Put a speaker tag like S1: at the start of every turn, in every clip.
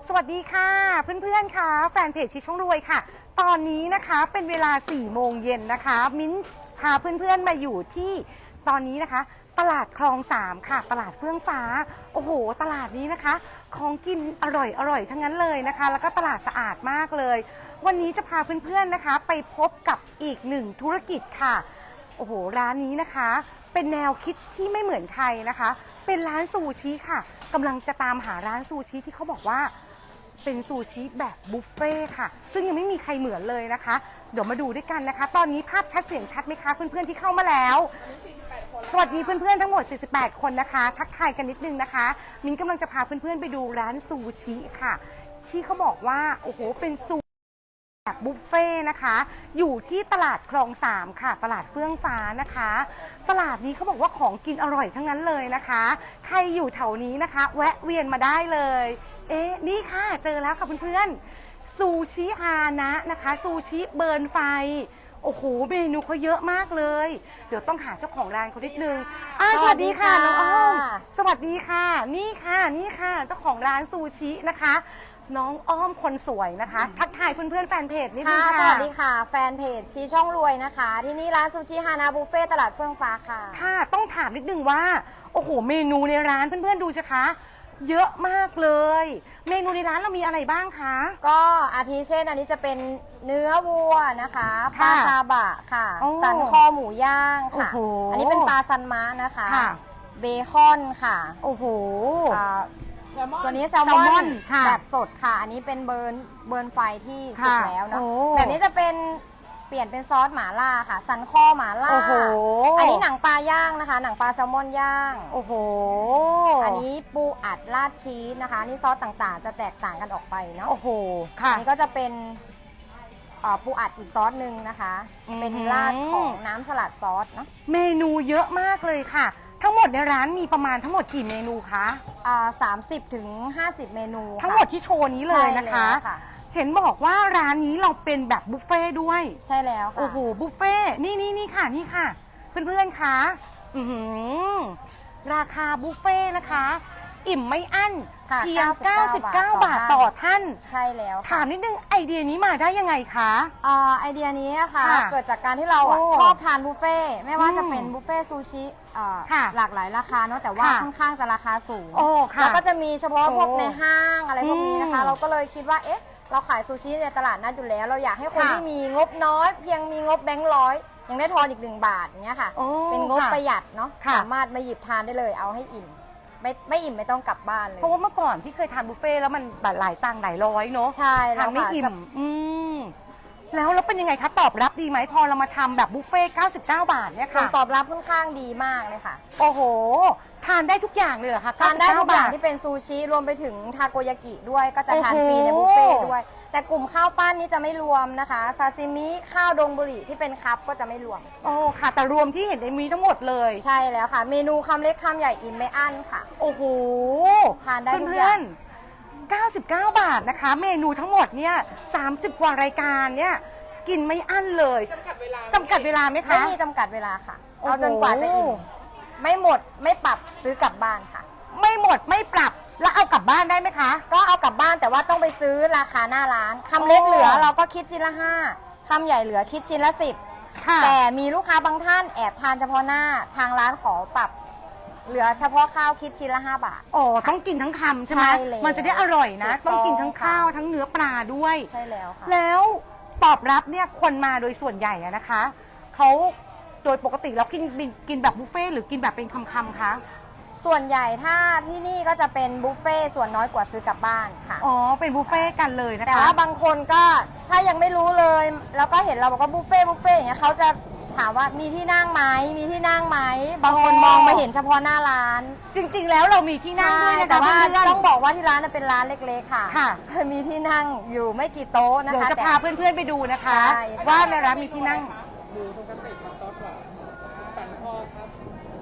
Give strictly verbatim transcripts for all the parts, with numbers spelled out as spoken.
S1: สวัสดีค่ะเพื่อนๆค่ะแฟนเพจชิช่องรวยค่ะตอนนี้นะคะเป็นเวลาสี่โมงเย็นนะคะมิ้นพาเพื่อนๆมาอยู่ที่ตอนนี้นะคะตลาดคลองสามค่ะตลาดเฟื่องฟ้าโอ้โหตลาดนี้นะคะของกินอร่อยอร่อยทั้งนั้นเลยนะคะแล้วก็ตลาดสะอาดมากเลยวันนี้จะพาเพื่อนๆนะคะไปพบกับอีกหนึ่งธุรกิจค่ะโอ้โหร้านนี้นะคะเป็นแนวคิดที่ไม่เหมือนใครนะคะเป็นร้านซูชิค่ะกำลังจะตามหาร้านซูชิที่เขาบอกว่าเป็นซูชิแบบบุฟเฟ่ค่ะซึ่งยังไม่มีใครเหมือนเลยนะคะเดี๋ยวมาดูด้วยกันนะคะตอนนี้ภาพชัดเสียงชัดไหมคะเพื่อนๆที่เข้ามาแล้วสวัสดีเพื่อนๆทั้งหมดสี่สิบแปดคนนะคะทักทายกันนิดนึงนะคะมิ้นกำลังจะพาเพื่อนๆไปดูร้านซูชิค่ะที่เขาบอกว่าโอ้โหเป็นซูแบบบุฟเฟ่นะคะอยู่ที่ตลาดคลองสามค่ะตลาดเฟื่องฟ้านะคะตลาดนี้เขาบอกว่าของกินอร่อยทั้งนั้นเลยนะคะใครอยู่แถวนี้นะคะแวะเวียนมาได้เลยเอ๊ะนี่ค่ะเจอแล้วค่ะเพื่อนๆซูชิอานะนะคะซูชิเบิร์นไฟโอ้โหเมนูเขาเยอะมากเลยเดี๋ยวต้องหาเจ้าของร้านเขานิดนึงอ่าสวัสดีค่ะน้องอ้อมสวัสดีค่ะนี่ค่ะนี่ค่ะเจ้าของร้านซูชินะคะน้องอ้อมคนสวยนะคะทักทายเพื่อนๆแฟนเพจนิดนึงค่ะ
S2: สวัสดีค่ะแฟนเพจชี้ช่องรวยนะคะที่นี่ร้านซูชิฮานาบุฟเฟ่ตลาดเฟื่องฟ้าค่ะ
S1: ค่ะต้องถามนิดนึงว่าโอ้โหเมนูในร้านเพื่อนๆดูสิคะเยอะมากเลยเมนูในร้านเรามีอะไรบ้างคะ
S2: ก็อาทิเช่นอันนี้จะเป็นเนื้อวัวนะคะปลาซาบะค่ะสันคอหมูย่างค่ะอันนี้เป็นปลาซันมะนะคะเบคอนค่ะ
S1: โอ้โห
S2: ตัวนี้แซลมอนแบบสดค่ะอันนี้เป็นเบิร์นเบิร์นไฟที่สุกแล้วเนาะแบบนี้จะเป็นเปลี่ยนเป็นซอสหม่าล่าค่ะสันคอหม่าล่าอันนี้หนังปลาย่างนะคะหนังปลาแซลมอนย่าง
S1: โอ้โห
S2: อันนี้ปูอัดราดชีสนะคะนี่ซอสต่างๆจะแตกต่างกันออกไปเนาะ
S1: โอ้โหค่ะ
S2: อันนี้ก็จะเป็นปูอัดอีกซอสหนึ่งนะคะเป็นราดของน้ำสลัดซอสเนาะ
S1: เมนูเยอะมากเลยค่ะทั้งหมดในร้านมีประมาณทั้งหมดกี่เมนูคะ
S2: อ่าสามสิบถึงห้าสิบเมนู
S1: ทั้งหมดที่โชว์นี้เลยนะคะเห็นบอกว่าร้านนี้เราเป็นแบบบุฟเฟ่ด้วย
S2: ใช่แล้วค่ะ
S1: โอ้โหบุฟเฟ่นี่นี่นี่ค่ะนี่ค่ะเพื่อนๆคะอือหือราคาบุฟเฟ่นะคะอิ่มไม่อั้นเพียงเก้าสิบเก้าบาทต่อท่าน
S2: ใช่แล้ว
S1: ถามนิดนึงไอเดียนี้มาได้ยังไงคะ
S2: อ่าไอเดียนี้ค่ะเกิดจากการที่เราชอบทานบุฟเฟ่ไม่ว่าจะเป็นบุฟเฟ่ซูชิหลากหลายราคาเนาะแต่ว่าค่อนข้างจะราคาสูงแล้วก็จะมีเฉพาะพวกในห้างอะไรพวกนี้นะคะเราก็เลยคิดว่าเอ๊ะเราขายซูชิในตลาดนัดอยู่แล้วเราอยากให้คนที่มีงบน้อยเพียงมีงบแบงค์ร้อยยังได้ทอนอีกหนึ่งบาทเนี้ยค่ะเป็นงบประหยัดเนาะสามารถมาหยิบทานได้เลยเอาให้อิ่มไม่ไม่อิ่มไม่ต้องกลับบ้านเลย
S1: เพราะว่าเมื่อก่อนที่เคยทานบุฟเฟ่แล้วมันหลายตังค์หลายร้อยเนาะ
S2: ใช่
S1: แล้วไม่อิ่มอืมแล้วแล้วเป็นยังไงคะตอบรับดีไหมพอเรามาทำแบบบุฟเฟ่เก้าสิบเก้าบาทเนี่ยค่ะ
S2: ตอบรับค่อนข้างดีมากเลยค่ะ
S1: โอ้โหทานได้ทุกอย่างเลยเหรอคะ
S2: ทานได้ทุกอย่างที่เป็นซูชิรวมไปถึงทาโกยากิด้วยก็จะทานฟรีในบุฟเฟ่ด้วยแต่กลุ่มข้าวปั้นนี้จะไม่รวมนะคะซาซิมิข้าวดงบุหรี่ที่เป็นคัพก็จะไม่รวม
S1: โอ้ค่ะแต่รวมที่เห็นในมีทั้งหมดเลย
S2: ใช่แล้วค่ะเมนูคำเล็กคำใหญ่อิ่มไม่อั้นค่ะ
S1: โอ้โห
S2: ทานได้ทุกอย่าง
S1: เก้าสิบเก้าบาทนะคะเมนูทั้งหมดเนี่ยสามสิบกว่ารายการเนี่ยกินไม่อั้นเลยจำกัดเวลาจำกัดเวลาไหมคะ
S2: ไม่มีจำกัดเวลาค่ะเอาจนกว่าจะอิ่มไม่หมดไม่ปรับซื้อกลับบ้านค่ะ
S1: ไม่หมดไม่ปรับแล้วเอากลับบ้านได้ไหมคะ
S2: ก็เอากลับบ้านแต่ว่าต้องไปซื้อราคาหน้าร้านคำเล็กเหลือเราก็คิดชิ้นละห้าคำใหญ่เหลือคิดชิ้นละสิบแต่มีลูกค้าบางท่านแอบทานเฉพาะหน้าทางร้านขอปรับเหลือเฉพาะข้าวคิดชิ้นละห้าบาท
S1: อ๋อต้องกินทั้งคำใช่ไหมมันจะได้อร่อยนะต้องกินทั้งข้าวทั้งเนื้อปลาด้วย
S2: ใช่แล้วค่ะ
S1: แล้วตอบรับเนี่ยคนมาโดยส่วนใหญ่นะคะเขาโดยปกติแล้วกินกินแบบบุฟเฟ่หรือกินแบบเป็นคำๆคะ
S2: ส่วนใหญ่ถ้าที่นี่ก็จะเป็นบุฟเฟ่ส่วนน้อยกว่าซื้อกลับบ้านค่ะ
S1: อ๋อเป็นบุฟเฟ่กันเลยนะคะ
S2: แต่ว่าบางคนก็ถ้ายังไม่รู้เลยแล้วก็เห็นเราบอกว่าบุฟเฟ่บุฟเฟ่อย่างเงี้ยเขาจะถามว่ามีที่นั่งไหมมีที่นั่งไหมบางคนมองมาเห็นเฉพาะหน้าร้าน
S1: จริงๆแล้วเรามีที่นั่งด้วยนะคะ
S2: แต่ว่าต้องบอกว่าที่ร้านเป็นร้านเล็กๆค่ะ
S1: ค่ะ
S2: มีที่นั่งอยู่ไม่กี่โต๊ะนะคะ
S1: เดี๋ยวจะพาเพื่อนๆไปดูนะคะว่าในร้านมีที่นั่งดูปกติครับต๊อกหวานสันคอครับ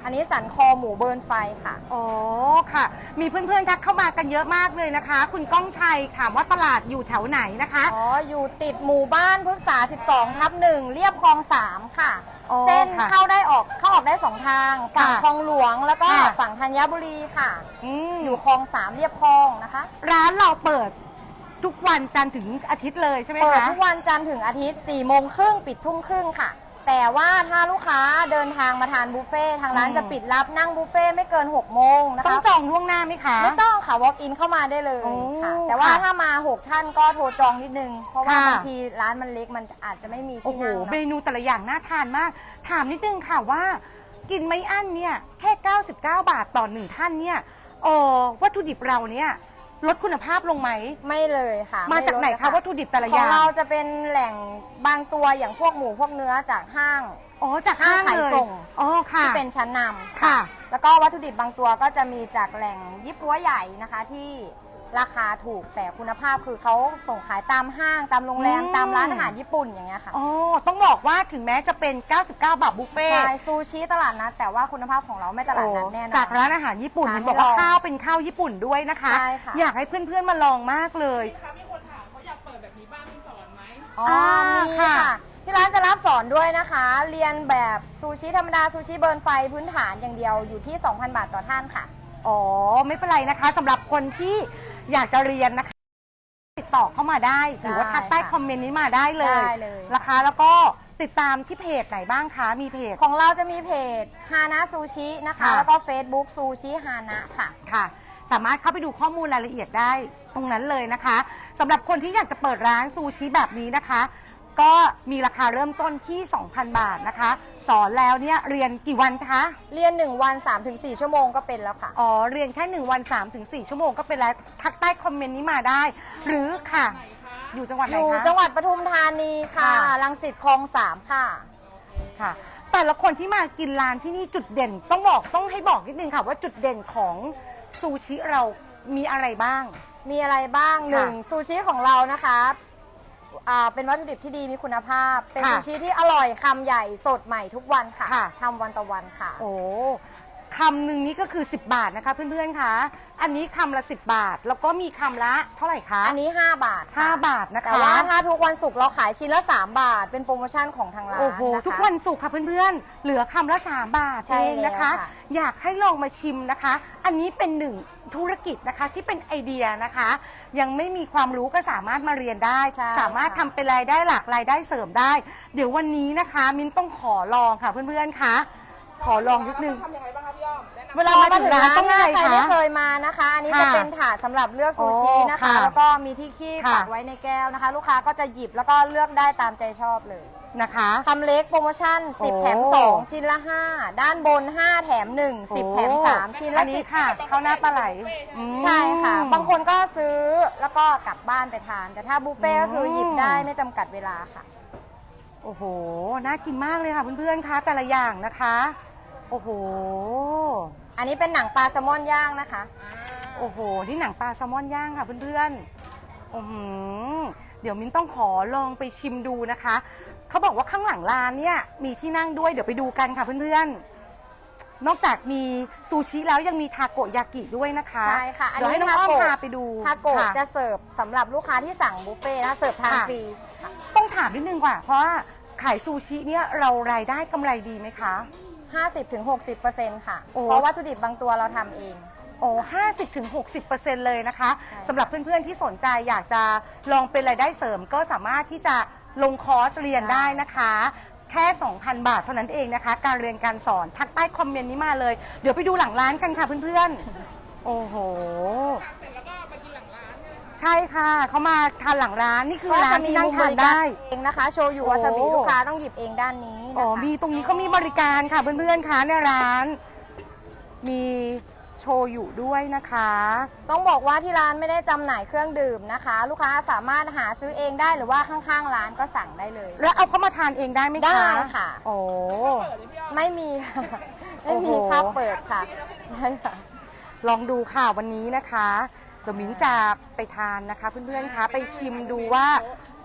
S2: อันนี้สันคอหมูเบิร์นไฟค่ะ
S1: อ๋อค่ะ มีเพื่อนๆทักเข้ามากันเยอะมากเลยนะคะ คุณก้องชัยถามว่าตลาดอยู่แถวไหนนะคะ
S2: อ๋อ อยู่ติดหมู่บ้านพฤกษา สิบสอง ทับหนึ่งเรียบคลองสามค่ะ
S1: อ๋อ
S2: เส้น
S1: ค่ะ
S2: เข้าได้ออกเข้าออกได้สองทาง ฝั่ง
S1: ค่ะ
S2: คลองหลวงแล้วก็
S1: ค่ะ
S2: ฝั่งธัญบุรีค่ะ
S1: อืม
S2: อยู่คลองสามเรียบคลองนะคะ
S1: ร้านเราเปิดทุกวันจันทร์ถึงอาทิตย์เลยใช่ไหมคะ
S2: เปิดทุกวันจันทร์ถึงอาทิตย์สี่โมงครึ่งปิดทุ่มครึ่งค่ะ แต่ว่าถ้าลูกค้าเดินทางมาทานบุฟเฟ่ต์ทางร้าน
S1: อืม
S2: จะปิดรับนั่งบุฟเฟ่ต์ไม่เกินหกโมงนะ
S1: ต้อง
S2: คะ
S1: จองล่วงหน้าไหมคะ
S2: ไม่ต้องค่ะ walk in เข้ามาได้เลย
S1: โอ้
S2: ค่ะ แต่ว่า
S1: ค่ะ
S2: ถ้ามาหกท่านก็โทรจองนิดนึง เพราะว่า
S1: ค่ะ
S2: บางทีร้านมันเล็กมันอาจจะไม่มี
S1: โอ้
S2: ที่
S1: โห
S2: นั่ง
S1: เม
S2: เนาะ
S1: นูแต่ละอย่างน่าทานมาก ถามนิดนึงค่ะว่า กินไม่อั้นเนี่ยแค่เก้าสิบเก้าบาทต่อหนึ่งท่านเนี่ยเออวัตถุดิบเราเนี่ยลดคุณภาพลงไหม
S2: ไม่เลยค่ะ
S1: มาจากไหน
S2: ลดเลย
S1: คะวัตถุดิบแต่ละ
S2: ข
S1: อ
S2: อง
S1: ย่าง
S2: เราจะเป็นแหล่งบางตัวอย่างพวกหมูพวกเนื้อจากห้าง
S1: อ๋อจากห้าง
S2: ห้างขาย
S1: เลย
S2: ส่ง
S1: อ๋อค่ะ
S2: ที่เป็นชั้นนำ
S1: ค่ะ
S2: แล้วก็วัตถุดิบบางตัวก็จะมีจากแหล่งยี่ปัวใหญ่นะคะที่ราคาถูกแต่คุณภาพคือเขาส่งขายตามห้างตามโรงแรม
S1: อืม
S2: ตามร้านอาหารญี่ปุ่นอย่างเงี้ยค่ะ
S1: อ๋อต้องบอกว่าถึงแม้จะเป็น เก้าสิบเก้า บาทบุฟเฟ่ต์
S2: ใช่ซูชิตลาดนัดแต่ว่าคุณภาพของเราไม่ตลาดนัดแน่นอน
S1: จากร้านอาหารญี่ปุ่น
S2: ค่ะ
S1: เห็นบอกว่า
S2: ให้ลอง
S1: ข้าวเป็นข้าวญี่ปุ่นด้วยนะคะ
S2: ใช่ค่ะ
S1: อยากให้เพื่อนๆมาลองมากเลย
S3: คะมีคนถามเขาอยากเปิดแบบนี้บ้างมีสอนไหม
S2: อ๋อ
S1: อ่า
S2: มี
S1: ค่ะ
S2: ค่ะ ที่ร้านจะรับสอนด้วยนะคะ เรียนแบบซูชิธรรมดาซูชิเบิร์นไฟพื้นฐานอย่างเดียวอยู่ที่ สองพัน บาทต่อท่านค่ะ
S1: อ๋อไม่เป็นไรนะคะสำหรับคนที่อยากจะเรียนนะคะติดต่อเข้ามาได้ หรือว่าทักใต้
S2: ได้ค่ะ
S1: คอมเมนต์นี้มาได้เลย
S2: ได้เลย
S1: ราคาแล้วก็ติดตามที่เพจไหนบ้างคะมีเพจ
S2: ของเราจะมีเพจฮานะซูชินะคะ
S1: ค่ะ
S2: แล้วก็ Facebook ซูชิฮานะค่ะ
S1: ค่ะ สามารถเข้าไปดูข้อมูลรายละเอียดได้ตรงนั้นเลยนะคะสำหรับคนที่อยากจะเปิดร้านซูชิแบบนี้นะคะ ก็มีราคาเริ่มต้นที่ สองพัน บาทนะคะ สอนแล้วเนี่ยเรียนกี่วันคะ
S2: เรียน หนึ่ง วัน สามถึงสี่ ชั่วโมงก็เป็นแล้วค่ะ
S1: อ๋อเรียนแค่หนึ่งวัน สามถึงสี่ ชั่วโมงก็เป็นแล้วทักใต้คอมเมนต์นี้มาได้ หรือค่ะ อยู่จังหวัดไหน
S2: อยู่
S1: คะ
S2: จังหวัดปทุมธานีค่ะ
S1: ค่ะ
S2: รังสิตคลองสามค่ะ
S1: ค่ะแต่ละคนที่มากินร้านที่นี่จุดเด่นต้องบอกต้องให้บอกนิดนึงค่ะว่าจุดเด่นของซูชิเรามีอะไรบ้าง
S2: มีอะไรบ้าง
S1: ค่ะ
S2: หนึ่งซูชิของเรานะคะอ่าเป็นวัตถุดิบที่ดีมีคุณภาพ เป็น
S1: ค่ะ
S2: ซูชิที่อร่อยคำใหญ่สดใหม่ทุกวันค่ะ
S1: ค่ะ
S2: ทำวันต่อวันค่ะ
S1: โอ้คำหนึ่งนี้ก็คือ สิบบาทนะคะเพื่อนๆคะอันนี้คำละสิบบาท แล้วก็มีคำละเท่าไหร่คะ
S2: อันนี้ ห้า บาทค่ะ
S1: ห้าบาทนะคะ
S2: แต่ว่าถ้าทุกวันศุกร์เราขายชิ้นละ สาม บาท เป็นโปรโมชั่นของทางร้าน
S1: โอ้โห
S2: นะคะ
S1: ทุกวันศุกร์ค่ะเพื่อนๆ เหลือคำละสามบาท
S2: ใช่
S1: เองนะคะ
S2: แล้วค่ะ
S1: อยากให้ลองมาชิมนะคะ อันนี้เป็นหนึ่งธุรกิจนะคะที่เป็นไอเดียนะคะ ยังไม่มีความรู้ก็สามารถมาเรียนได้
S2: ใช่
S1: สามารถ
S2: ค่ะ
S1: ทำเป็นรายได้หลักรายได้เสริมได้ เดี๋ยววันนี้นะคะ มิ้นต้องขอลองค่ะเพื่อนๆคะขอลองนิดนึง
S3: ทำยังไงบ้างครับพี่อ้อมแนะนำ
S1: เวลามาถึงร้านต้องยังไง
S2: ใคร
S1: คะ
S2: ไม่เคยมานะคะ อันนี้
S1: ค่ะ
S2: จะเป็นถาดสำหรับเลือกซูชินะ
S1: โอ้
S2: คะ
S1: ค่ะ
S2: แล้วก็มีที่คีบ
S1: ค่ะ
S2: ปักไว้ในแก้วนะคะ ลูกค้าก็จะหยิบแล้วก็เลือกได้ตามใจชอบเลย
S1: นะคะ
S2: คำเล็กโปรโมชั่นสิบ
S1: โอ้
S2: แถมสองชิ้นละห้าด้านบนห้าแถมหนึ่ง สิบแถมสามชิ้น
S1: อั
S2: ละ
S1: น
S2: สิ
S1: นี้
S2: บ
S1: ค่ะข้าวหน้าปลาไหลอืม
S2: ใช่ค่ะ บางคนก็ซื้อแล้วก็กลับบ้านไปทาน แต่ถ้าบุฟเฟ่ต์ก็คือหยิบได้ไม่จำกัดเวลาค่ะ
S1: โอ้โห น่ากินมากเลยค่ะเพื่อนๆ คะแต่ละอย่างนะคะ โอ้โห
S2: อันนี้เป็นหนังปลาแซลมอนย่างนะคะ
S1: โอ้โห นี่หนังปลาแซลมอนย่างค่ะเพื่อนๆโอ้โหเดี๋ยวมิ้นต้องขอลองไปชิมดูนะคะ เขาบอกว่าข้างหลังร้านเนี่ยมีที่นั่งด้วย เดี๋ยวไปดูกันค่ะเพื่อนๆ นอกจากมีซูชิแล้วยังมีทาโกยากิด้วยนะคะ
S2: ใช่ค่ะ อัน
S1: เดี๋ยว
S2: นี้
S1: ให้น้องอ้อม
S2: ทาโกะ
S1: พาไปดู
S2: ทาโกะ
S1: ค่
S2: จะเสิร์ฟสำหรับลูกค้าที่สั่งบุฟเฟ่ต์นะคะเสิร์ฟทาน
S1: ค่ะ
S2: ฟรีค่ะ
S1: ต้องถามนิดนึงว่าเพราะว่าขายซูชิเนี่ยเรารายได้กำไรดีไหมคะ
S2: ห้าสิบถึงหกสิบเปอร์เซ็นต์ ค่ะ
S1: โอ้
S2: เพราะวัตถุดิบบางตัวเราทำเอง
S1: โอ้ห้าสิบถึงหกสิบเปอร์เซ็นต์เลยนะคะ
S2: ใช่
S1: สำหรับเพื่อนๆที่สนใจอยากจะลองเป็นรายได้เสริมก็สามารถที่จะลงคอร์สเรียนได้นะคะ แค่ สองพัน บาทเท่านั้นเองนะคะ การเรียนการสอนทักใต้คอมเมนต์นี้มาเลย เดี๋ยวไปดูหลังร้านกันค่ะเพื่อนๆ โอ้โห
S3: เสร็จแล้วก็มากินหลังร้านเนี่ยค่ะ
S1: ใช่ค่ะเขามาทานหลังร้านนี่คือ
S2: ก็
S1: ร้า
S2: จะ
S1: น
S2: มี
S1: ที่นั่ง
S2: มุมบ
S1: ทาน
S2: ริการ
S1: ได้
S2: เองนะคะ โชยุ
S1: โอ้
S2: วาซาบิลูกค้าต้องหยิบเองด้านนี้
S1: อ๋อ
S2: นะคะ
S1: มีตรงนี้ก็มีบริการค่ะเพื่อนๆคะในร้าน มีโชยุด้วยนะคะ
S2: ต้องบอกว่าที่ร้านไม่ได้จำหน่ายเครื่องดื่มนะคะ ลูกค้าสามารถหาซื้อเองได้หรือว่าข้างๆร้านก็สั่งได้เลย
S1: แล้วเอาเข้ามาทานเองได้ไหมคะ
S2: ได้ค่ะ
S1: โอ้
S2: ไม่มี ไม่มี
S1: โอ้โห
S2: ค่าเปิดค่ะใช่ค่ะ
S1: ลองดูค่ะวันนี้นะคะเดี๋ยวมิ้นจะไปทานนะคะ เพื่อนๆคะไปชิมดูว่า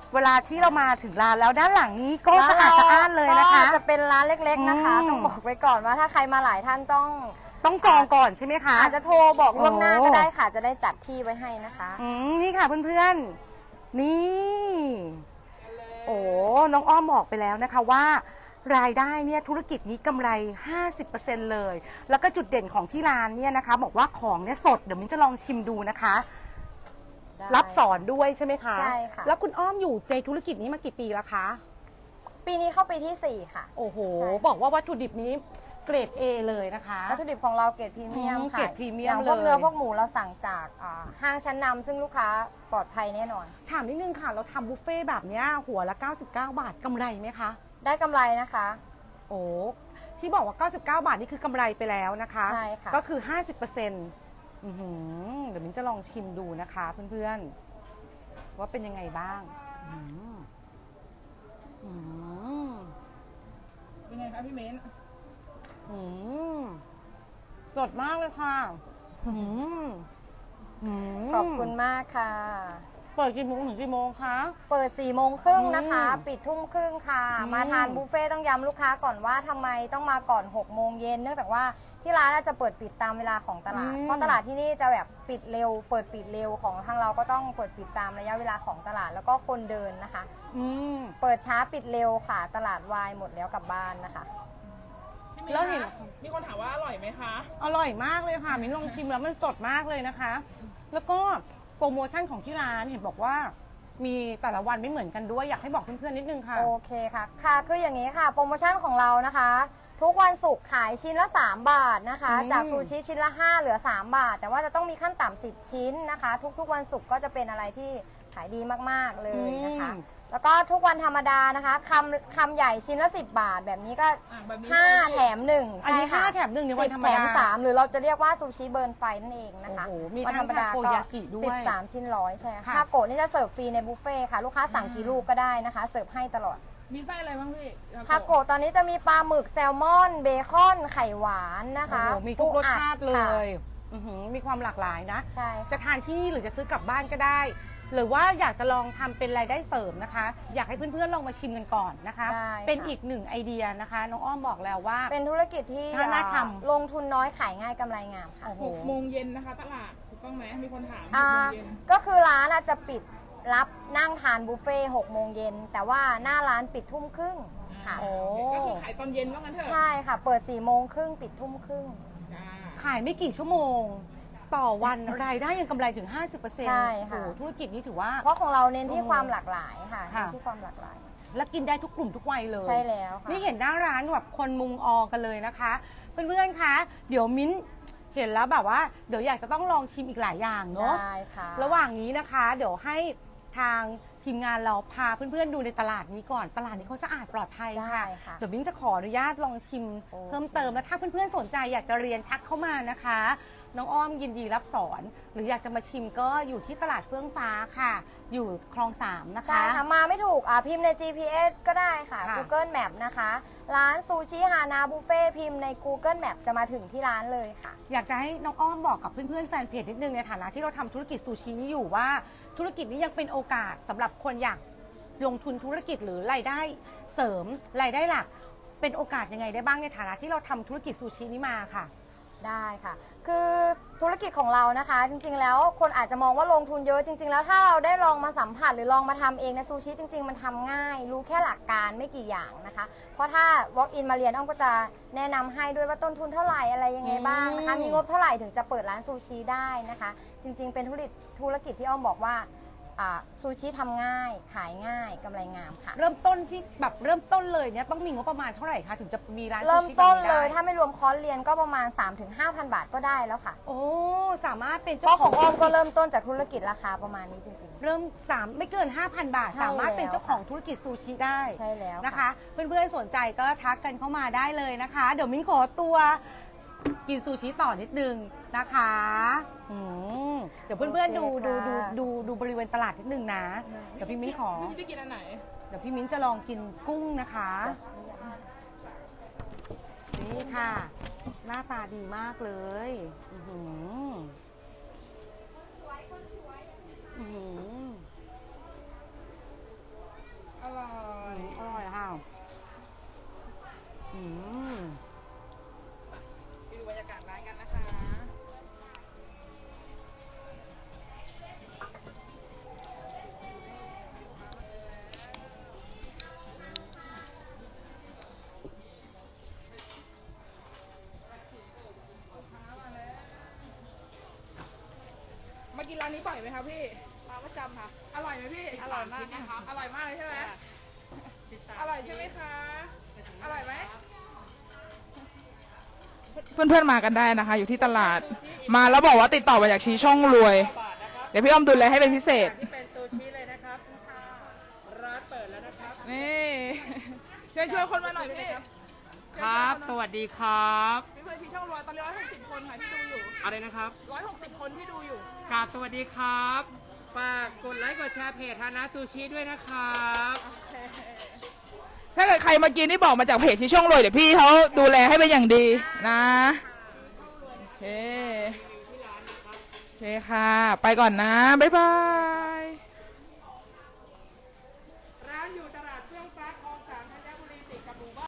S1: เวลาที่เรามาถึงร้านแล้วด้านหลังนี้ก็สะอาดสะอ้านเลยนะคะ
S2: ก็จะเป็นร้านเล็กๆนะคะ
S1: อืม
S2: ต้องบอกไว้ก่อนว่าถ้าใครมาหลายท่านต้อง
S1: ต้องจองก่อนใช่ไหมคะ
S2: อาจจะโทรบอกล่วงหน้า
S1: โอ้
S2: ก็ได้ค่ะ จะได้จัดที่ไว้ให้นะคะ
S1: อืมนี่ค่ะเพื่อนๆ นี่ โอ้ น้องอ้อมบอกไปแล้วนะคะว่ารายได้เนี่ยธุรกิจนี้กำไร ห้าสิบเปอร์เซ็นต์ เลย แล้วก็จุดเด่นของที่ร้านเนี่ยนะคะ บอกว่าของเนี่ยสด เดี๋ยวมิ้นจะลองชิมดูนะคะ
S2: ได้
S1: รับสอนด้วยใช่ไหมคะ
S2: ใช่ค่ะ
S1: แล้วคุณอ้อมอยู่ในธุรกิจนี้มากี่ปีแล้วคะ
S2: ปีนี้เข้าปีที่สี่ค่ะ
S1: โอ้โห
S2: ใช่
S1: บอกว่าวัตถุดิบนี้เกรด A เลยนะคะ
S2: วัตถุดิบของเราเกรดพรีเมียม
S1: อืม
S2: ค่ะ
S1: เกรดพรีเมียม
S2: อย่างพวก
S1: เลย
S2: เนื้อพวกหมูเราสั่งจากอ่าห้างชั้นนำซึ่งลูกค้าปลอดภัยแน่นอน
S1: ถามนิดนึงค่ะ เราทำบุฟเฟ่ต์แบบเนี้ยหัวละ เก้าสิบเก้า บาทกำไรไหมคะ
S2: ได้กำไรนะคะ
S1: โอ้ที่บอกว่า เก้าสิบเก้า บาทนี่คือกำไรไปแล้วนะคะ
S2: ใช่ค่ะ
S1: ก็คือ ห้าสิบเปอร์เซ็นต์ อื้อหือเดี๋ยวมิ้นจะลองชิมดูนะคะเพื่อนๆ ว่าเป็นยังไงบ้างอืมอืม
S3: เป็นไงคะพี่เม้น
S1: อืมสดมากเลยค่ะอืมอืม
S2: ขอบคุณมากค่ะ
S1: เปิดกี่โมงถึงกี่โมงคะ
S2: เปิดสี่โมงครึ่งนะคะ
S1: อืม
S2: ปิดทุ่มครึ่งค่ะ
S1: อืม
S2: มาทานบุฟเฟ่ต์ต้องย้ำลูกค้าก่อนว่าทำไมต้องมาก่อนหกโมงเย็นเนื่องจากว่าที่ร้านน่าจะเปิดปิดตามเวลาของตลาด เพราะตลาดที่นี่จะแบบปิดเร็ว เปิดปิดเร็วของทางเราก็ต้องเปิดปิดตามระยะเวลาของตลาดแล้วก็คนเดินนะคะ
S1: อืม
S2: เปิดช้าปิดเร็วค่ะ ตลาดวายหมดแล้วกลับบ้านนะคะ
S3: พี่เม้น
S1: แล้วเห็น
S3: คะมีคนถามว่าอร่อยไหมคะ
S1: อร่อยมากเลยค่ะ มิ้นลองชิมแล้วมันสดมากเลยนะคะ แล้วก็โปรโมชั่นของที่ร้านเห็นบอกว่า มีแต่ละวันไม่เหมือนกันด้วยอยากให้บอกเพื่อนๆนิดนึงค่ะ
S2: โอเคค่ะ ค่ะ คืออย่างนี้ค่ะ โปรโมชั่นของเรานะคะ ทุกวันศุกร์ขายชิ้นละ สาม บาทนะคะ
S1: อืม
S2: จากซูชิชิ้นละ ห้า เหลือ สาม บาท แต่ว่าจะต้องมีขั้นต่ำสิบชิ้นนะคะ ทุกๆวันศุกร์ก็จะเป็นอะไรที่ขายดีมากๆเลยนะคะ แล้วก็ทุกวันธรรมดานะคะคำคำใหญ่ชิ้นละ สิบบาท แบบนี้ก็
S3: อ่ะแบบนี้
S2: ห้า แถมหนึ่ง
S1: อันนี้
S2: ใช่ค่ะ
S1: ห้าแถมหนึ่งในวันธรรมดา
S2: สิบแถมสามหรือเราจะเรียกว่าซูชิเบิร์นไฟนั่นเองนะคะ
S1: โอ้โหมี
S2: วันธรรมดา
S1: ทั้ง
S2: ก็
S1: ทาโกยากิด้วย
S2: สิบสามชิ้นร้อยใช่ค่ะ
S1: ค่ะ
S2: ทาโกะนี่จะเสิร์ฟฟรีในบุฟเฟ่ต์ค่ะ ลูกค้าสั่งกี่ลูกก็ได้นะคะ เสิร์ฟให้ตลอด
S3: มีไส้อะไรบ้างพี่
S2: ทาโกะตอนนี้จะมีปลาหมึกแซลมอน เบคอน ไข่หวานนะคะ
S1: โอ้โหมีทุกรสชาติเล
S2: ค่ะ
S1: ยอื้อหือมีความหลากหลายนะ
S2: ใช่
S1: จะทานที่นี่หรือจะซื้อกลับบ้านก็ได้ หรือว่าอยากจะลองทำเป็นรายได้เสริมนะคะ อยากให้เพื่อนๆลองมาชิมกันก่อนนะคะ
S2: ได้
S1: เป็น
S2: ค่ะ
S1: อีกหนึ่งไอเดียนะคะ น้องอ้อมบอกแล้วว่า
S2: เป็นธุรกิจที่
S1: น่าน่าทำ
S2: อ่าลงทุนน้อยขายง่ายกำไรงามค่ะ
S1: โอ้โห
S3: หกโมงเย็นนะคะ ตลาดถูกต้องไหมมีคนถามห
S2: อ่าก
S3: โมงเย็น
S2: ก็คือร้านอาจจะปิดรับนั่งทานบุฟเฟ่หกโมงเย็นแต่ว่าหน้าร้านปิดทุ่มครึ่งค่ะ
S1: โอ้
S3: ก็คือขายตอนเย็นว่างั้นเถอะ
S2: ใช่ค่ะ เปิด4ี่โมงครึ่งปิดทุ่มครึ่ง
S3: จ้า
S1: ขายไม่กี่ชั่วโมง ต่อวัน รายได้ยังกำไรถึง ห้าสิบเปอร์เซ็นต์
S2: ใช่
S1: โอ้
S2: ค่ะ
S1: โหธุรกิจนี้ถือว่า
S2: เพราะของเราเน้นที่
S1: โอ้
S2: ความหลากหลายค่ะ
S1: ค่ะ
S2: เน้นที่ความหลากหลาย
S1: และกินได้ทุกกลุ่มทุกวัยเลย
S2: ใช่แล้วค่ะ
S1: นี่เห็นหน้าร้านแบบคนมุงออกันเลยนะคะ เพื่อนๆ คะ เดี๋ยวมิ้นเห็นแล้วแบบว่า เดี๋ยวอยากจะต้องลองชิมอีกหลายอย่างเนาะ
S2: ได้ค่ะ
S1: ระหว่างนี้นะคะ เดี๋ยวให้ทางทีมงานเราพาเพื่อนๆ ดูในตลาดนี้ก่อน ตลาดนี้เขาสะอาดปลอดภัยค่ะ
S2: ได้ค่ะ
S1: เดี๋ยวมิ้นจะขออนุญาตลองชิม
S2: โอเค
S1: เพิ่มเติมแล้วถ้าเพื่อนๆ สนใจอยากจะเรียนทักเข้ามานะคะ น้องอ้อมยินดีรับสอน หรืออยากจะมาชิมก็อยู่ที่ตลาดเฟื่องฟ้าค่ะ อยู่คลองสามนะคะ
S2: ใช่ค่ะ มาไม่ถูกอ่ะพิมพ์ใน จี พี เอส ก็ได้ค่ะ
S1: ค่ะ
S2: Google Map นะคะ ร้านซูชิฮานาบุฟเฟ่พิมพ์ใน Google Map จะมาถึงที่ร้านเลยค่ะ
S1: อยากจะให้น้องอ้อมบอกกับเพื่อนๆแฟนเพจนิดนึงในฐานะที่เราทำธุรกิจซูชินี้อยู่ว่าธุรกิจนี้ยังเป็นโอกาสสำหรับคนอยากลงทุนธุรกิจหรือรายได้เสริมรายได้หลัก เป็นโอกาสยังไงได้บ้างในฐานะที่เราทำธุรกิจซูชินี้มาค่ะ
S2: ได้ค่ะ คือธุรกิจของเรานะคะ จริงๆ แล้วคนอาจจะมองว่าลงทุนเยอะจริงๆ แล้วถ้าเราได้ลองมาสัมผัสหรือลองมาทำเองในซูชิจริงๆ มันทำง่าย รู้แค่หลักการไม่กี่อย่างนะคะ เพราะถ้า walk in มาเรียนอ้อมก็จะแนะนำให้ด้วยว่าต้นทุนเท่าไหร่อะไรยังไงบ้างนะคะ
S1: อืม
S2: มีงบเท่าไหร่ถึงจะเปิดร้านซูชิได้นะคะ จริงๆ เป็นธุรกิจธุรกิจที่อ้อมบอกว่าอ่าซูชิทำง่าย ขายง่ายกำไรงามค่ะ
S1: เริ่มต้นที่แบบเริ่มต้นเลยเนี่ยต้องมีงบประมาณเท่าไหร่คะถึงจะมีร้านซูชิ
S2: เริ่มต้น
S1: แบบ
S2: เลย
S1: ได้
S2: ถ้าไม่รวมคอร์สเรียนก็ประมาณ สามถึงห้าพัน บาทก็ได้แล้วค่ะ
S1: โอ้สามารถเป็น
S2: เพ
S1: เจ้า
S2: ราะ
S1: ข
S2: ข
S1: อ
S2: อง งอ้อมก็เริ่มต้นจากธุรกิจราคาประมาณนี้จริงๆ
S1: เริ่มสามไม่เกิน ห้าพัน บาท
S2: ใช่
S1: สามารถเป็น
S2: แล้ว
S1: เจ้าของธุรกิจซูชิได้
S2: ใช่แล้ว
S1: นะคะ เพื่อนๆสนใจก็ทักกันเข้ามาได้เลยนะคะ เดี๋ยวมิ้นขอตัวกินซูชิต่อนิดนึงนะคะอืมเดี๋ยวเพื่อนๆดูดูดูดูดูบริเวณตลาดนิดนึงนะ เดี๋ยวพี่มิ้นขอ
S3: พี่จะกินอันไหน
S1: เดี๋ยวพี่มิ้นจะลองกินกุ้งนะคะ นี่ค่ะ หน้าตาดีมากเลยอื้อหืออื้อหือ
S3: กินร้านนี้บ่อยไหมคะพี่มาประจำค่ะ อร่อยไหมพี่ อร่อยมากนะครับอร่อยมากเลยใช่ไหมอร่อยใช่ไหมคะ อร่อยไหมเพื่อนๆมากันได้นะคะ อยู่ที่ตลาด มาแล้วบอกว่าติดต่อมาจากชี้ช่องรวย เดี๋ยวพี่อ้อมดูแลให้เป็นพิเศษ
S4: ที่เป็นซูชิเลยนะครับร้านเปิดแล้วนะครับ
S3: นี่เชิญชวนคนมาหน่อยพี่
S4: ครับ สวัสดีครับ
S3: พี่เพื่อนชี้ช่องรวยตอนนี้ร้อยหกสิบคนค่ะที่ดูอยู่
S4: อะไรนะครับ
S3: ร้อยหกสิบคนที่ดูอยู่
S4: กราบสวัสดีครับ ฝากกดไลค์กดแชร์เพจฮานะซูชิด้วยนะครับ
S3: ถ้าเกิดใครมากินนี่บอกมาจากเพจชี้ช่องรวยเดี๋ยวพี่เขาดูแลให้เป็นอย่างดีนะโอเคโอเคค่ะ ไปก่อนนะ บ๊ายบาย